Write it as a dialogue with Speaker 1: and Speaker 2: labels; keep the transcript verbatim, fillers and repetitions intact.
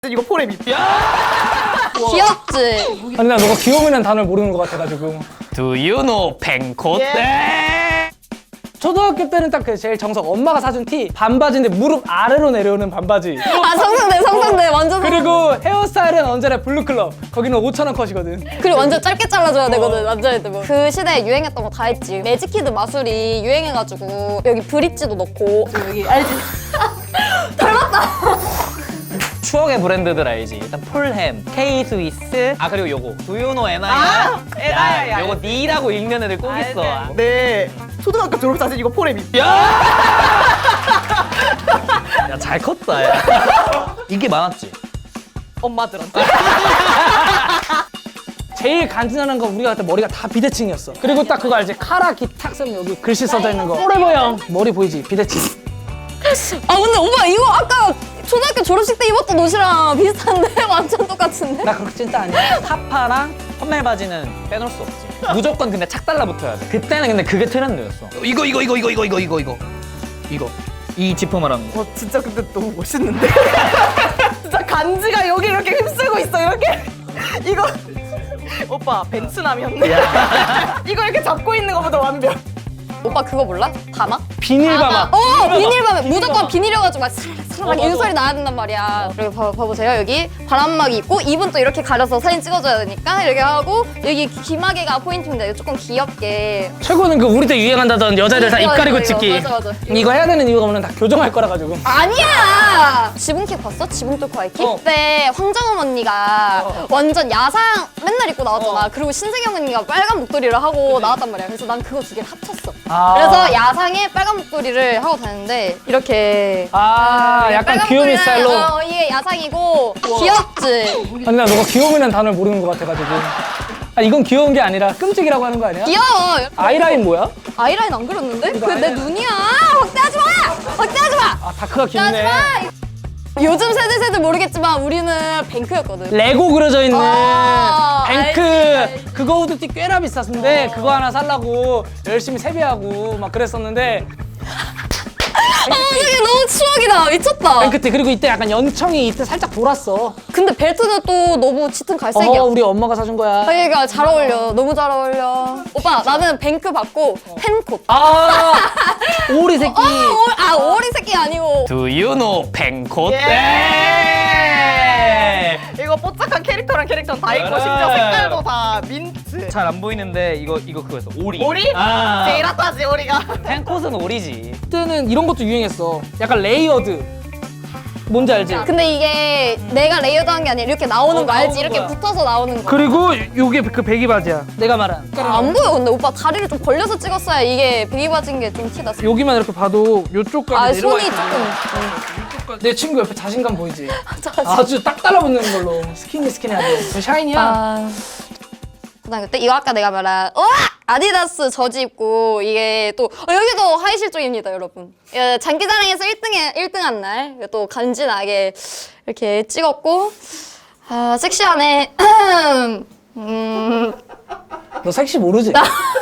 Speaker 1: 이거 포레미.
Speaker 2: 귀엽지?
Speaker 3: 아니 나 너가 귀여움이라는 단어를 모르는 것 같아가지고.
Speaker 4: Do you know 뱅코떼?
Speaker 1: 예.
Speaker 3: 초등학교 때는 딱 그 제일 정석, 엄마가 사준 티 반바지인데 무릎 아래로 내려오는 반바지.
Speaker 2: 아 성성대 성성대 완전
Speaker 3: 그리고 헤어스타일은 언제나 블루클럽, 거기는 오천 원 컷이거든.
Speaker 2: 그리고 완전 짧게 잘라줘야 되거든 남자애들 뭐. 그 시대에 유행했던 거 다 했지. 매직키드 마술이 유행해가지고 여기 브릿지도 넣고
Speaker 1: 여기 알지?
Speaker 4: 추억의 브랜드들 알지? 일단 폴햄, K-스위스, 아 그리고 요거 Do you know 에나야?
Speaker 1: 아, 에나야, 야.
Speaker 4: 요거 니라고 읽는 애들 꼭 있어.
Speaker 1: 네. 초등학교 졸업 사진 이거 포레미.
Speaker 4: 야 잘 컸다 야. 이게 많았지?
Speaker 1: 엄마들한테.
Speaker 3: 제일 간지나는 건 우리가 그때 머리가 다 비대칭이었어. 그리고 딱 그거 알지? 카라 기탁 쓰면 여기 글씨 써져 있는 거. 포레버 형 머리 보이지? 비대칭.
Speaker 2: 아 근데 오빠 이거 아까 초등학교 졸업식 때 입었던 옷이랑 비슷한데? 완전 똑같은데?
Speaker 3: 나 그렇게 찐따 아니야.
Speaker 4: 하파랑 펌멜 바지는 빼놓을 수 없지. 무조건 근데 착 달라붙어야 돼. 그때는 근데 그게 트렌드였어. 이거 이거 이거 이거 이거 이거 이거 이거 이거 이 지퍼 말하는 거.
Speaker 1: 어 진짜 근데 너무 멋있는데? 진짜 간지가 여기 이렇게 휩쓸고 있어 이렇게. 이거 오빠 벤츠남이었네. 이거 이렇게 잡고 있는 것보다 완벽.
Speaker 2: 오빠 그거 몰라? 바마?
Speaker 3: 비닐바마.
Speaker 2: 어 비닐밤에 무조건 비닐이어가지고 막 스르륵 이 소리 나야 된단 말이야. 여기 봐, 봐보세요. 여기 바람막이 있고 입은 또 이렇게 가려서 사진 찍어줘야 되니까 이렇게 하고 여기 귀마개가 포인트인데 조금 귀엽게.
Speaker 3: 최고는 그 우리 때 유행한다던 여자들 다 입
Speaker 2: 이거,
Speaker 3: 가리고
Speaker 2: 이거,
Speaker 3: 찍기.
Speaker 2: 맞아, 맞아.
Speaker 3: 이거 해야 되는 이유가 뭐냐면 다 교정할 거라 가지고.
Speaker 2: 아니야! 지붕킥 봤어? 지붕 뚫고 하이킥?
Speaker 3: 어.
Speaker 2: 그때 황정음 언니가
Speaker 3: 어.
Speaker 2: 완전 야상 맨날 입고 나왔잖아.
Speaker 3: 어.
Speaker 2: 그리고 신세경 언니가 빨간 목도리를 하고 나왔단 말이야. 그래서 난 그거 두 개를 합쳤어.
Speaker 3: 아.
Speaker 2: 그래서 야상에 빨간 목도리를 하고 다녔는데 이렇게
Speaker 3: 아,
Speaker 2: 어,
Speaker 3: 약간
Speaker 2: 빨간
Speaker 3: 귀요미
Speaker 2: 목도리는,
Speaker 3: 스타일로.
Speaker 2: 어, 이게 야상이고 귀엽지?
Speaker 3: 아니 나 너가 귀여움이라는 단어를 모르는 것 같아가지고. 아 이건 귀여운 게 아니라 끔찍이라고 하는 거 아니야?
Speaker 2: 귀여워!
Speaker 3: 아이라인 뭐야?
Speaker 2: 아이라인 안 그렸는데? 그게 내
Speaker 3: 아이라인.
Speaker 2: 눈이야! 확대하지 마! 확대하지 마!
Speaker 3: 아 다크가
Speaker 2: 확대하지
Speaker 3: 깊네.
Speaker 2: 마! 요즘 세대세들 모르겠지만 우리는 뱅크였거든.
Speaker 3: 레고 그려져 있는
Speaker 2: 아,
Speaker 3: 뱅크
Speaker 2: 알지, 알지.
Speaker 3: 그거 후드티 꽤나 비쌌는데
Speaker 2: 어.
Speaker 3: 그거 하나 살라고 열심히 세배하고 막 그랬었는데.
Speaker 2: 아, 이게 너무 추억이다. 미쳤다.
Speaker 3: 뱅크티 그리고 이때 약간 연청이 이때 살짝 돌았어.
Speaker 2: 근데 벨트는 또 너무 짙은 갈색이야.
Speaker 3: 어 우리 엄마가 사준 거야.
Speaker 2: 아, 얘가 잘 어울려. 너무 잘 어울려. 오빠, 나는 뱅크 받고 펜콧.
Speaker 3: 아 오리 새끼.
Speaker 2: 어, 오, 아, 오리 새끼 아니고.
Speaker 4: Do you know 뱅코떼?
Speaker 1: 예. 이거 뽀짝한 캐릭터랑 캐릭터는 다 있고 심지어 색깔도 다 민트.
Speaker 4: 잘 안 보이는데 이거 이거 그거였어. 오리.
Speaker 1: 오리?
Speaker 4: 아.
Speaker 1: 제일 핫하지 오리가.
Speaker 4: 펜콧은 오리지.
Speaker 3: 그때는 이런 것도 유행했어. 약간 레이어드. 뭔지 알지?
Speaker 2: 근데 이게 내가 레이어드한 게 아니라 이렇게 나오는
Speaker 3: 어,
Speaker 2: 거 알지?
Speaker 3: 나오는
Speaker 2: 이렇게
Speaker 3: 거야.
Speaker 2: 붙어서 나오는 거.
Speaker 3: 그리고 요게 그 배기 바지야. 내가 말한.
Speaker 2: 아, 안 보여. 근데 오빠 다리를 좀 벌려서 찍었어야 이게 베기 바지인 게 좀 티났어.
Speaker 3: 여기만 이렇게 봐도 요쪽까지
Speaker 2: 아,
Speaker 3: 내려와
Speaker 2: 손이
Speaker 3: 있는
Speaker 2: 조금.
Speaker 3: 거. 내 친구 옆에 자신감 보이지?
Speaker 2: 자신-
Speaker 3: 아주 딱 달라붙는 걸로 스키니 스키니하게. 저 샤이니야.
Speaker 2: 아. 고등학교 때 이거 아까 내가 말한 어! 아디다스 저지 입고 이게 또 어, 여기도 하이 실종입니다 여러분. 예, 장기자랑에서 일 등에 일 등한 날 또 간지나게 이렇게 찍었고 아 섹시하네. 음,
Speaker 3: 너 섹시 모르지?